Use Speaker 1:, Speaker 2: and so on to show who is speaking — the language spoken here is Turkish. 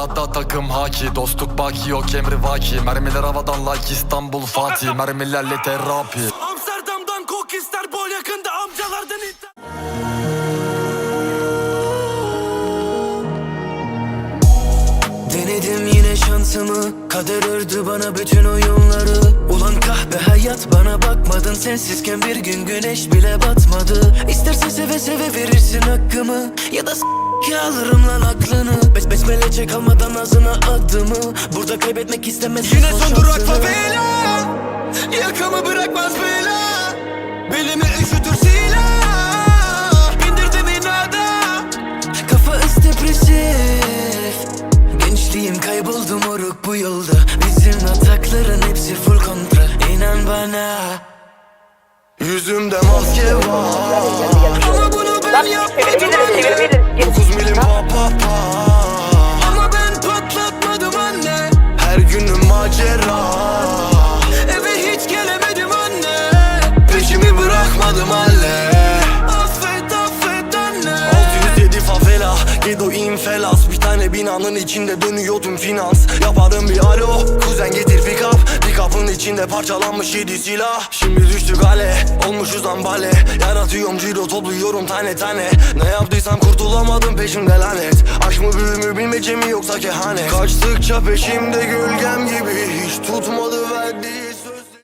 Speaker 1: Sahada takım haki, dostluk baki yok emri vaki. Mermiler havadan like İstanbul Fatih, mermilerle terapi.
Speaker 2: Amsterdam'dan kok ister, bol yakında amcalardan iddia. Denedim yine şansımı, kader ördü bana bütün oyunları. Ulan kahpe hayat, bana bakmadın, sensizken bir gün güneş bile batmadı. İstersen seve seve verirsin hakkımı, ya da alırım lan aklını. Besmele çek almadan ağzına adımı, burada kaybetmek istemezsin. Yine son durak favela, yakamı bırakmaz bela. Belimi üşütür silah, bindirdim inada. Kafa depresif, gençliğim kayboldu moruk bu yolda. Bizim atakların hepsi full kontra, inan bana. Yüzümde maske var, ama bunu ben yapmadım anne. 9 milim pa pa pa, ama ben patlatmadım anne. Her günüm macera, eve hiç gelemedim anne. Peşimi bırakmadım halle. Affet affet anne. 607 favela, Gedo infelas. Bir tane binanın içinde dönüyor tüm finans. Yaparım bir alo, kuzen getir pick up. Pick up'ın içinde parçalanmış 7 silah. Şimdi düştük hale, olmuşuz ambale. Yaratıyorum ciro, topluyorum tane tane. Ne yaptıysam kurtulamadım, peşimde lanet. Aşk mı büyü mü bilmece mi yoksa kehanet. Kaçtıkça peşimde gölgem gibi, hiç tutmadı verdiği